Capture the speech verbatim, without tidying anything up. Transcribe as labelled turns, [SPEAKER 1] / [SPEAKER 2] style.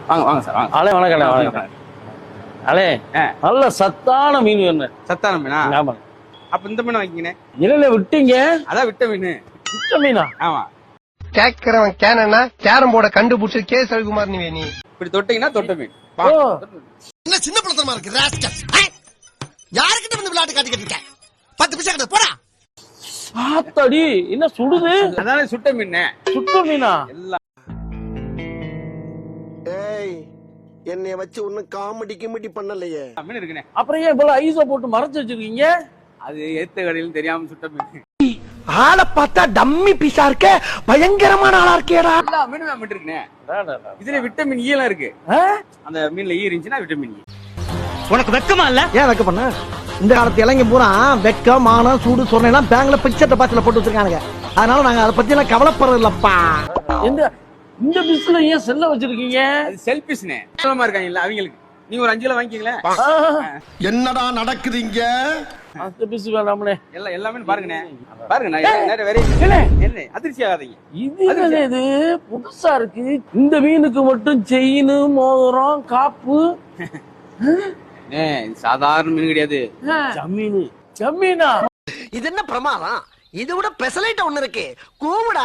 [SPEAKER 1] வாங்க வாங்க சார் வாங்க.
[SPEAKER 2] அலே வணக்கம் வணக்கம். அலே நல்ல சத்தான மீன் வேணும்.
[SPEAKER 1] சத்தான மீனா?
[SPEAKER 2] ஆமா.
[SPEAKER 1] அப்ப இந்த மீன் வாங்கிக்கினே.
[SPEAKER 2] இல்ல விட்டீங்க.
[SPEAKER 1] அதான் விட்ட மீன்.
[SPEAKER 2] விட்ட மீனா?
[SPEAKER 1] ஆமா.
[SPEAKER 3] கேக்குறவன் கேனா கேரம் போர்ட கண்டுபிடிச்சு கே சவிகுமார் நீ நீ
[SPEAKER 1] இப்படி தொட்டீங்கன்னா தொட்ட மீன்.
[SPEAKER 4] என்ன சின்ன பழத்தனமா இருக்கு ராஸ்கல். யாருக்கிட்ட வந்து விளையாட்டு காட்டிக்கிட்டு இருக்க? பத்து பைசா கிட்ட போடா.
[SPEAKER 2] ஆத்தாடி என்ன சுடுது?
[SPEAKER 1] அதானே சுட்ட மீன்.
[SPEAKER 2] சுட்ட மீனா?
[SPEAKER 1] எல்லாம்
[SPEAKER 4] ஏய் என்னைய வச்சு ஒன்னும் காமெடி கிமெடி பண்ணலையே.
[SPEAKER 1] மீன் இருக்குனே.
[SPEAKER 2] அப்புறம் ஏன் இவ்வளவு ஐஸ போட்டு மறைச்சு வச்சிருக்கீங்க?
[SPEAKER 1] அது ஏத்த கடையில் தெரியாம சுட்ட மீன்.
[SPEAKER 3] ஆளை பார்த்தா டம்மி பீஸா இருக்க, பயங்கரமான ஆளா இருக்கேடா.
[SPEAKER 1] எல்லா மீனுமே மீன் இருக்குனே. இதுல விட்டமின் இ எல்லாம் இருக்கு. அந்த மீன்ல ஈ இருந்துச்சுன்னா விட்டமின் இ.
[SPEAKER 3] உனக்கு வெக்கமா இல்ல? ஏன் வெக்க பண்ண? இந்த காலத்து இளைஞ பூரா வெக்கம் மானம் சூடு சொன்னெல்லாம் பேங்க்ல பிக்சர் பாத்துல போட்டு வச்சிருக்கானுங்க. அதனால நாங்க அதை பத்தி எல்லாம் கவலைப்படுறது இல்லப்பா.
[SPEAKER 2] இந்த இந்த பிஸ்ல ஏன் செல்ல வச்சிருக்கீங்க?
[SPEAKER 1] அது செல்பிஸ்னே. சுத்தமா இருக்காங்க இல்ல அவங்களுக்கு. நீங்க ஒரு அஞ்சு கிலோ வாங்கிக்கீங்களே.
[SPEAKER 4] என்னடா நடக்குது இங்க?
[SPEAKER 2] அந்த பிஸ் வேணாம்னே.
[SPEAKER 1] எல்லாம் எல்லாமே பாருங்கண்ணே. பாருங்க நான் நேரா வேற என்ன அதிர்ச்சி ஆகாதீங்க.
[SPEAKER 2] இது என்ன இது புதுசா இருக்கு. இந்த மீனுக்கு மட்டும் செயின் மோதிரம் காப்பு.
[SPEAKER 1] ஏ சாதாரண மீன் கிடையாது.
[SPEAKER 2] ஜமீனு ஜமீனா?
[SPEAKER 4] இது என்ன பிரமாதம்? இதை விட பெசலைட் ஒண்ணு இருக்கு. கூவுடா.